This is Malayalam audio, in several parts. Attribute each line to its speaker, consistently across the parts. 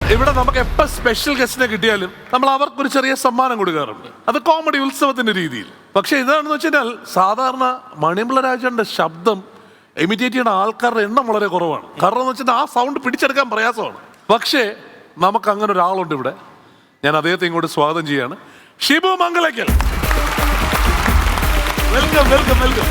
Speaker 1: ഇവിടെ നമുക്ക് എപ്പോൾ സ്പെഷ്യൽ ഗസ്റ്റിനെ കിട്ടിയാലും നമ്മൾ അവർക്കൊരു ചെറിയ സമ്മാനം കൊടുക്കാറുണ്ട്. അത് കോമഡി ഉത്സവത്തിന്റെ രീതിയിൽ. പക്ഷെ ഇതാണെന്ന് വെച്ചാൽ സാധാരണ മണിയമ്പിള്ള രാജന്റെ ശബ്ദം ഇമിറ്റേറ്റ് ചെയ്യുന്ന ആൾക്കാരുടെ എണ്ണം വളരെ കുറവാണ്. കാരണം എന്ന് വെച്ചാൽ ആ സൗണ്ട് പിടിച്ചെടുക്കാൻ പ്രയാസമാണ്. പക്ഷേ നമുക്ക് അങ്ങനെ ഒരാളുണ്ട് ഇവിടെ. ഞാൻ അദ്ദേഹത്തെ ഇങ്ങോട്ട് സ്വാഗതം ചെയ്യാണ്. Shibu Mangalakkal. Welcome welcome welcome.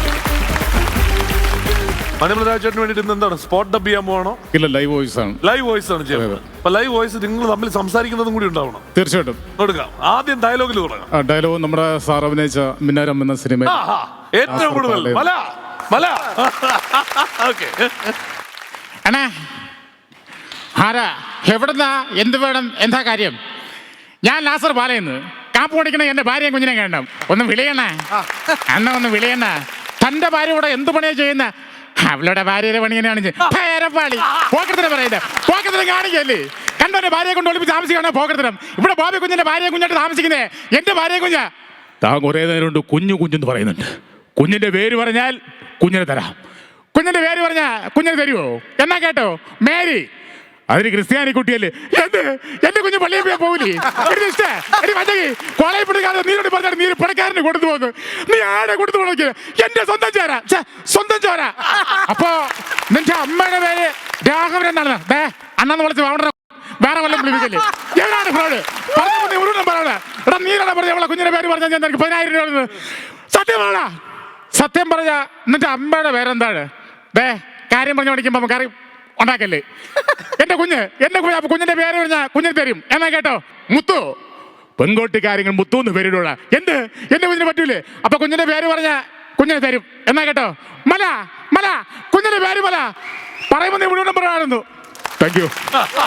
Speaker 1: Manimala രാജേട്ടന് വേണ്ടിട്ട് എന്താണ് സ്പോട്ട് ഡബ് ചെയ്യാൻ പോകണോ?
Speaker 2: ഇല്ല, ലൈവ് വോയിസ് ആണ്.
Speaker 1: ലൈവ് വോയിസ് ആണ് ചെയ്യുന്നത്. അപ്പൊ ലൈവ് വോയിസ് നിങ്ങൾ തമ്മിൽ സംസാരിക്കുന്നതും കൂടി ഉണ്ടാവണം.
Speaker 2: തീർച്ചയായിട്ടും
Speaker 1: കൊടുക്കാം. ആദ്യം ഡയലോഗിൽ തുടങ്ങാം.
Speaker 2: ഡയലോഗ് നമ്മുടെ സാർ അഭിനയിച്ച മിന്നാരം എന്ന സിനിമ
Speaker 1: ഏറ്റവും കൂടുതൽ മല മല. ഓക്കെ.
Speaker 3: അണ്ണാ ആരാ എവിടുന്നാ എന്ത് വേണം എന്താ കാര്യം? ഞാൻ ലാസർ പാലയെന്ന് കാപ്പ് ഓടിക്കണ എന്റെ ഭാര്യയും കുഞ്ഞിനെ കാണണം. ഒന്ന് വിളിയണ അണ്ണ, ഒന്ന് വിളിയണ. തന്റെ ഭാര്യ ഇവിടെ എന്ത് പണിയാ ചെയ്യുന്ന? അവളുടെ ഭാര്യയുടെ പണി തന്നെയാണ് പേരപ്പാളി. പോക്കരത്തിനെ പറയുന്നത് പോക്കരത്തിനെ കാണിക്കല്ലേ? കണ്ടോ എന്റെ ഭാര്യയെ കൊണ്ട് ഒളിപ്പിച്ച് താമസിക്കണോ പോക്കരത്തിനം? ഇവിടെ ബോബി കുഞ്ഞിന്റെ ഭാര്യയെ കുഞ്ഞായിട്ട് താമസിക്കുന്നേ എന്റെ ഭാര്യയെ കുഞ്ഞാ. താൻ കുറേ നേരം കൊണ്ട് കുഞ്ഞു കുഞ്ഞെന്ന് പറയുന്നുണ്ട്. കുഞ്ഞിന്റെ പേര് പറഞ്ഞാൽ കുഞ്ഞിനെ തരാം. കുഞ്ഞിന്റെ പേര് പറഞ്ഞാൽ കുഞ്ഞിനെ തരുമോ? എന്നാ കേട്ടോ, മേരി. അതിന് ക്രിസ്ത്യാനി കുട്ടിയല്ലേ? എന്റെ കുഞ്ഞ് പള്ളിയിൽ പോയാൽ പോകില്ലേ? കോളേജ് പിടിക്കാതെ നീരോട് പറഞ്ഞാൽ നീ പണക്കാരന് കൊടുത്തു പോകുന്നു. നീ ആടെ കൊടുത്തു പോകണ എന്റെ സ്വന്തം ചോര, സ്വന്തം ചോര. അപ്പോ നിന്റെ അമ്മയുടെ പേര് രാഘവൻ എന്നാണ്. അണ്ണന്ന് വിളിച്ച് അവിടെ വേറെ വല്ലതും വിളിപ്പിക്കല്ലേ? എവിടെയാണ് ഫ്രോഡ്? പറഞ്ഞു ഒരു നമ്പറാണ്. എടാ നീരാണ് പറഞ്ഞ അവളെ കുഞ്ഞിന്റെ പേര് പറഞ്ഞാൽ ഞാൻ നിനക്ക് 10,000 രൂപ. സത്യം പറ, സത്യം പറഞ്ഞ നിന്റെ അമ്മയുടെ പേരെന്താണ്? കാര്യം പറഞ്ഞു പഠിക്കുമ്പോ കറി ഉണ്ടാക്കല്ലേ? എന്റെ കുഞ്ഞ് കുഞ്ഞിന്റെ പേര് പറഞ്ഞാൽ കുഞ്ഞിന് തരും. എന്നാ കേട്ടോ, മുത്തു. പെൺകോട്ടി കാര്യങ്ങൾ മുത്തു എന്ന് പേരിടുള്ള എന്ത് എന്റെ കുഞ്ഞിന് പറ്റൂലേ? അപ്പൊ കുഞ്ഞിന്റെ പേര് പറഞ്ഞാൽ കുഞ്ഞിനെ തരും. എന്നാ കേട്ടോ, മല മല. കുഞ്ഞിന്റെ പേര് മല പറയുമ്പോ നീ മുഴുവൻ പറയാറുന്നു. Thank you.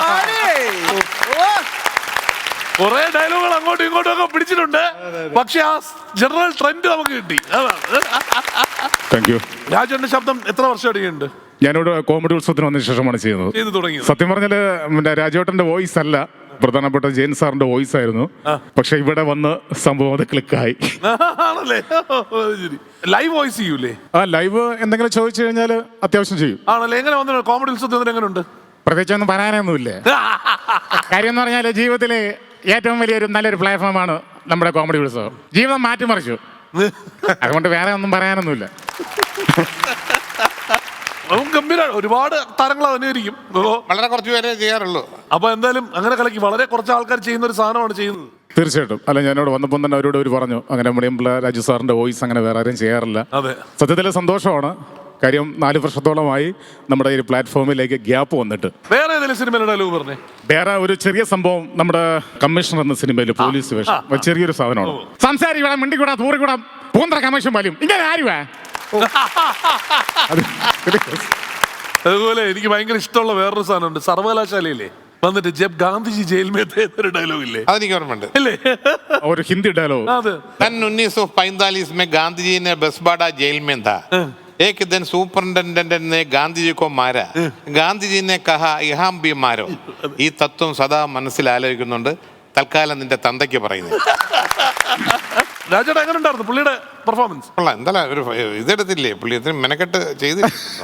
Speaker 1: കുറെ ഡയലോഗുകൾ അങ്ങോട്ടും ഇങ്ങോട്ടും ഒക്കെ പിടിച്ചിട്ടുണ്ട്. പക്ഷെ ആ ജനറൽ ട്രെൻഡ് നമുക്ക് കിട്ടി.
Speaker 2: Thank you.
Speaker 1: രാജേട്ടന്റെ ശബ്ദം എത്ര വർഷം അടിയുണ്ട്?
Speaker 2: ഞാനിവിടെ കോമഡി ഉത്സവത്തിന് വന്നതിന് ശേഷമാണ് ചെയ്യുന്നത്. സത്യം പറഞ്ഞാല് രാജേട്ടന്റെ വോയിസ് അല്ല, പ്രധാനപ്പെട്ട ജെയിൻ സാറിന്റെ വോയിസ് ആയിരുന്നു. പക്ഷെ ഇവിടെ വന്ന് സംഭവം അത് ക്ലിക്കായി.
Speaker 1: ലൈവ് വോയിസ് ചെയ്യൂലേ?
Speaker 2: ലൈവ് എന്തെങ്കിലും ചോദിച്ചു കഴിഞ്ഞാൽ അത്യാവശ്യം ചെയ്യും.
Speaker 1: ആണല്ലേ? എങ്ങനെ വന്നു കോമഡി ഉത്സവത്തിന്? എങ്ങനെയുണ്ട്?
Speaker 2: പ്രത്യേകിച്ചൊന്നും പറയാനൊന്നുമില്ല. കാര്യം എന്ന് പറഞ്ഞാൽ ജീവിതത്തില് ഏറ്റവും വലിയൊരു നല്ലൊരു പ്ലാറ്റ്ഫോമാണ് നമ്മുടെ കോമഡി ഉത്സവം. ജീവിതം മാറ്റിമറിച്ചു. അതുകൊണ്ട് വേറെ ഒന്നും പറയാനൊന്നുമില്ല.
Speaker 1: ഗംഭീര ഒരുപാട് താരങ്ങൾ അനുകരിക്കും.
Speaker 4: വളരെ കുറച്ച് പേരെ ചെയ്യാറുള്ളൂ.
Speaker 1: അപ്പൊ എന്തായാലും അങ്ങനെ കലക്കി വളരെ കുറച്ച് ആൾക്കാർ ചെയ്യുന്ന ഒരു സാധനമാണ് ചെയ്യുന്നത്.
Speaker 2: തീർച്ചയായിട്ടും. അല്ല, ഞാനിവിടെ വന്നപ്പോൾ തന്നെ അവരോട് പറഞ്ഞു അങ്ങനെ മണിയമ്പിള്ള രാജു സാറിന്റെ വോയിസ് അങ്ങനെ വേറെ ആരും ചെയ്യാറില്ല. സത്യത്തില് സന്തോഷമാണ്. കാര്യം 4 വർഷത്തോളമായി നമ്മുടെ ഈ പ്ലാറ്റ്ഫോമിലേക്ക് ഗ്യാപ്പ് വന്നിട്ട്.
Speaker 1: വേറെ ഏതെങ്കിലും സിനിമയുടെ ഡയലോഗ് പറഞ്ഞേ?
Speaker 2: വേറെ ഒരു ചെറിയ സംഭവം നമ്മുടെ കമ്മീഷണർ എന്ന സിനിമയിൽ പോലീസ് വേഷം ചെറിയൊരു സാധനമാണ്.
Speaker 3: സംസാരിക്കൂടാ, മിണ്ടിക്കൂടാ, തൂറിക്കൂടാ, പൂന്തറ കമ്മീഷൻ പോലും ഇങ്ങനെ ആരുവാ.
Speaker 1: അതുപോലെ എനിക്ക് ഭയങ്കര ഇഷ്ടമുള്ള വേറൊരു സാധനമുണ്ട്. സർവകലാശാലയില്ലേ വന്നിട്ട് ജബ് ഗാന്ധിജി ജയിൽ മേ थे എന്നൊരു ഡയലോഗ് ഇല്ലേ?
Speaker 4: അതെനിക്ക് ഓർമ്മയുണ്ട്.
Speaker 2: ഒരു ഹിന്ദി ഡയലോഗ്.
Speaker 4: सन 1945 में गांधी जी ने बसबाड़ा जेल में था. एक दिन सुपरिटेंडेंट ने गांधी जी को मारा. गांधी जी ने कहा यहाँ भी मारो. ഈ തത്വം സദാ മനസ്സിൽ ആലോചിക്കുന്നുണ്ട്. തൽക്കാലം നിന്റെ തന്തയ്ക്ക് പറയുന്നത്.
Speaker 1: രാജേട്ടൻ എങ്ങനെ ഉണ്ടായിരുന്നു പുള്ളിയുടെ പെർഫോമൻസ്?
Speaker 4: എന്തായാലും ഒരു ഇതെടുത്തില്ലേ പുള്ളി? മെനക്കെട്ട് ചെയ്ത്.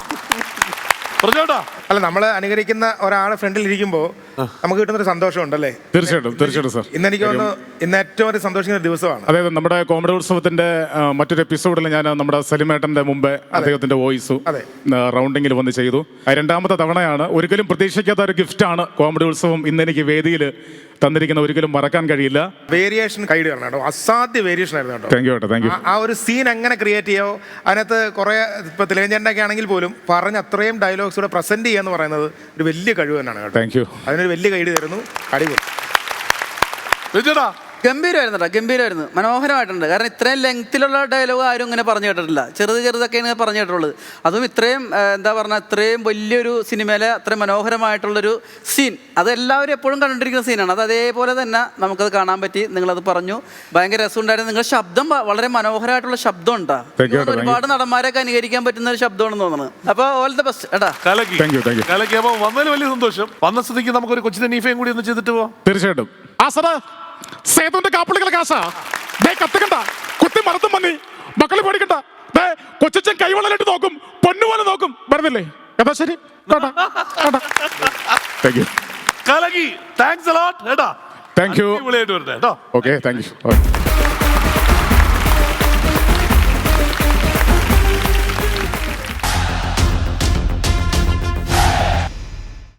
Speaker 5: അല്ല, നമ്മള് അനുകരിക്കുന്ന ഒരാളെ ഫ്രണ്ടിൽ ഇരിക്കുമ്പോ നമുക്ക് കിട്ടുന്നൊരു സന്തോഷം ഉണ്ടല്ലേ?
Speaker 2: തീർച്ചയായിട്ടും തീർച്ചയായിട്ടും സാർ.
Speaker 5: ഇന്ന് എനിക്ക് തോന്നുന്നു ഇന്ന് ഏറ്റവും ഒരു സന്തോഷിക്കുന്ന ദിവസമാണ്.
Speaker 2: അതായത് നമ്മുടെ കോമഡി ഉത്സവത്തിന്റെ മറ്റൊരു എപ്പിസോഡിൽ ഞാൻ നമ്മുടെ സലിമേട്ടന്റെ മുമ്പേ അദ്ദേഹത്തിന്റെ വോയിസും റൗണ്ടിങ്ങിൽ വന്ന് ചെയ്തു. 2ാമത്തെ തവണയാണ്. ഒരിക്കലും പ്രതീക്ഷിക്കാത്ത ഒരു ഗിഫ്റ്റാണ് കോമഡി ഉത്സവം ഇന്ന് എനിക്ക് വേദിയിൽ തന്നിരിക്കുന്ന. ഒരിക്കലും മറക്കാൻ കഴിയില്ല.
Speaker 5: വേരിയേഷൻ കൈഡ് തരണം കേട്ടോ. അസാധ്യ വേരിയേഷൻ ആയിരുന്നു കേട്ടോ.
Speaker 2: താങ്ക് യു കേട്ടോ, താങ്ക് യു.
Speaker 5: ആ ഒരു സീൻ എങ്ങനെ ക്രിയേറ്റ് ചെയ്യാവോ? അതിനകത്ത് കുറെ ഇപ്പൊ തിലകഞ്ചേട്ടൻ്റെ ഒക്കെ ആണെങ്കിൽ പോലും പറഞ്ഞ അത്രയും ഡയലോഗ്സ് കൂടെ പ്രസന്റ് ചെയ്യാന്ന് പറയുന്നത് ഒരു വലിയ കഴിവ് തന്നെയാണ് കേട്ടോ.
Speaker 2: Thank you.
Speaker 5: അതിനൊരു വലിയ കൈഡ് തരുന്നു. അടിപൊളി.
Speaker 6: ഗംഭീരമായിരുന്നു കേട്ടോ, ഗംഭീരമായിരുന്നു, മനോഹരമായിട്ടുണ്ട്. കാരണം ഇത്രയും ലെങ്ത്തിലുള്ള ഡയലോഗ് ആരും ഇങ്ങനെ പറഞ്ഞു കേട്ടിട്ടില്ല. ചെറുതൊക്കെയാണ് പറഞ്ഞു കേട്ടിട്ടുള്ളത്. അതും ഇത്രയും എന്താ പറഞ്ഞാൽ ഇത്രയും വലിയൊരു സിനിമയിലെ അത്രയും മനോഹരമായിട്ടുള്ളൊരു സീൻ, അത് എല്ലാവരും എപ്പോഴും കണ്ടിരിക്കുന്ന സീനാണ്. അത് അതേപോലെ തന്നെ നമുക്കത് കാണാൻ പറ്റി. നിങ്ങളത് പറഞ്ഞു, ഭയങ്കര രസമുണ്ടായിരുന്നു. നിങ്ങളുടെ ശബ്ദം വളരെ മനോഹരമായിട്ടുള്ള ശബ്ദം ഉണ്ടാ. ഒരുപാട് നടന്മാരൊക്കെ അനുകരിക്കാൻ പറ്റുന്ന ഒരു ശബ്ദമാണെന്ന് തോന്നുന്നു. അപ്പൊ ഓൾ ദ ബെസ്റ്റ് ഏട്ടാ.
Speaker 1: വന്നതിൽ വലിയ സന്തോഷം. വന്ന സ്ഥിതിക്ക് നമുക്കൊരു കൊച്ചിന്റെ നീഫയും കൂടി ഒന്ന് ചെയ്തിട്ട് പോവാം.
Speaker 2: തീർച്ചയായിട്ടും.
Speaker 3: സേതുവിന്റെ കാപ്പിളികളെ കാശാ കത്തുകണ്ട, കുത്തി മറത്തും മന്നി മക്കള് പേടിക്കണ്ട. കൊച്ചൻ കൈവളലിട്ട് നോക്കും, പൊന്നുപോലെ നോക്കും. വരുന്നില്ലേ? ഏതാ ശരി.
Speaker 2: Thank you.
Speaker 1: കലകി. താങ്ക്സ് അലോട്ട് കേട്ടാ.
Speaker 2: Thank you.
Speaker 1: അടിപൊളിയായിട്ട് വരട്ടെ കേട്ടോ.
Speaker 2: Okay thank U.